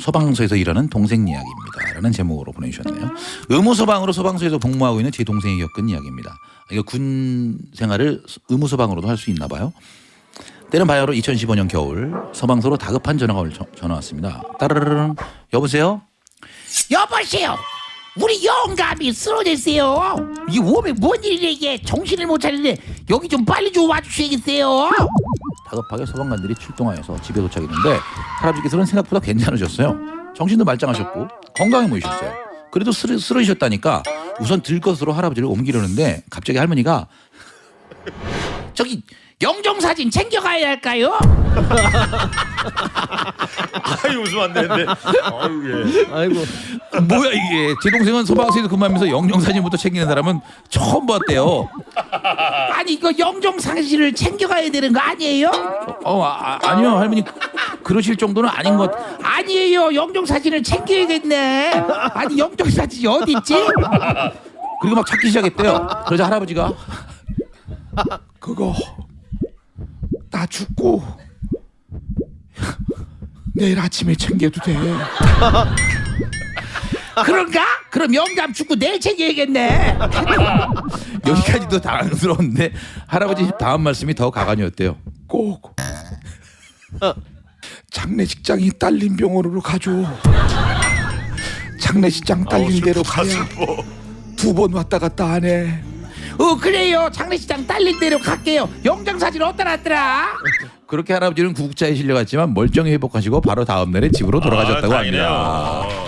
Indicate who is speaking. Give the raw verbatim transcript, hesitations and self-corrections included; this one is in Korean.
Speaker 1: 소방서에서 일하는 동생 이야기입니다. 라는 제목으로 보내주셨네요. 의무소방으로 소방서에서 복무하고 있는 제 동생이 겪은 이야기입니다. 이거 군 생활을 의무소방으로도 할 수 있나 봐요. 때는 바야흐로 이천십오 년 겨울 소방서로 다급한 전화가 올- 전화 왔습니다. 따르르릉 여보세요?
Speaker 2: 여보세요. 우리 영감이 쓰러졌어요. 이 몸에 뭔 일이래 이게. 정신을 못 차리네. 여기 좀 빨리 좀 와주셔야겠어요.
Speaker 1: 다급하게 소방관들이 출동하여서 집에 도착했는데 할아버지께서는 생각보다 괜찮으셨어요. 정신도 말짱하셨고 건강해 보이셨어요. 그래도 쓰러, 쓰러지셨다니까 우선 들것으로 할아버지를 옮기려는데 갑자기 할머니가
Speaker 2: 저기 영정사진 챙겨가야 할까요?
Speaker 3: 아이 웃으면 안 되는데. 아유 예.
Speaker 4: 아이고.
Speaker 1: 뭐야 이게. 제 동생은 소방서에서 근무하면서 영정사진부터 챙기는 사람은 처음 봤대요.
Speaker 2: 아니 이거 영정사진을 챙겨가야 되는 거 아니에요?
Speaker 1: 어 아, 아니요 할머니 그- 그러실 정도는 아닌 것.
Speaker 2: 아니에요. 영정사진을 챙겨야겠네. 아니 영정사진이 어디 있지?
Speaker 1: 그리고 막 찾기 시작했대요. 그러자 할아버지가 그거 나 죽고 내일 아침에 챙겨도 돼.
Speaker 2: 그런가? 그럼 영감 죽고 내일 챙겨야겠네.
Speaker 1: 여기까지도 당황스러운데 할아버지 다음 말씀이 더 가관이었대요. 꼭 장례식장이 딸린 병원으로 가줘. 장례식장 딸린 대로 가야 두 번 왔다 갔다 안 해.
Speaker 2: 어 그래요. 장례식장 딸린 대로 갈게요. 영정사진 어디다 놨더라?
Speaker 1: 그렇게 할아버지는 구급차에 실려갔지만 멀쩡히 회복하시고 바로 다음 날에 집으로 돌아가셨다고
Speaker 3: 아,
Speaker 1: 합니다.
Speaker 3: 다행이네요.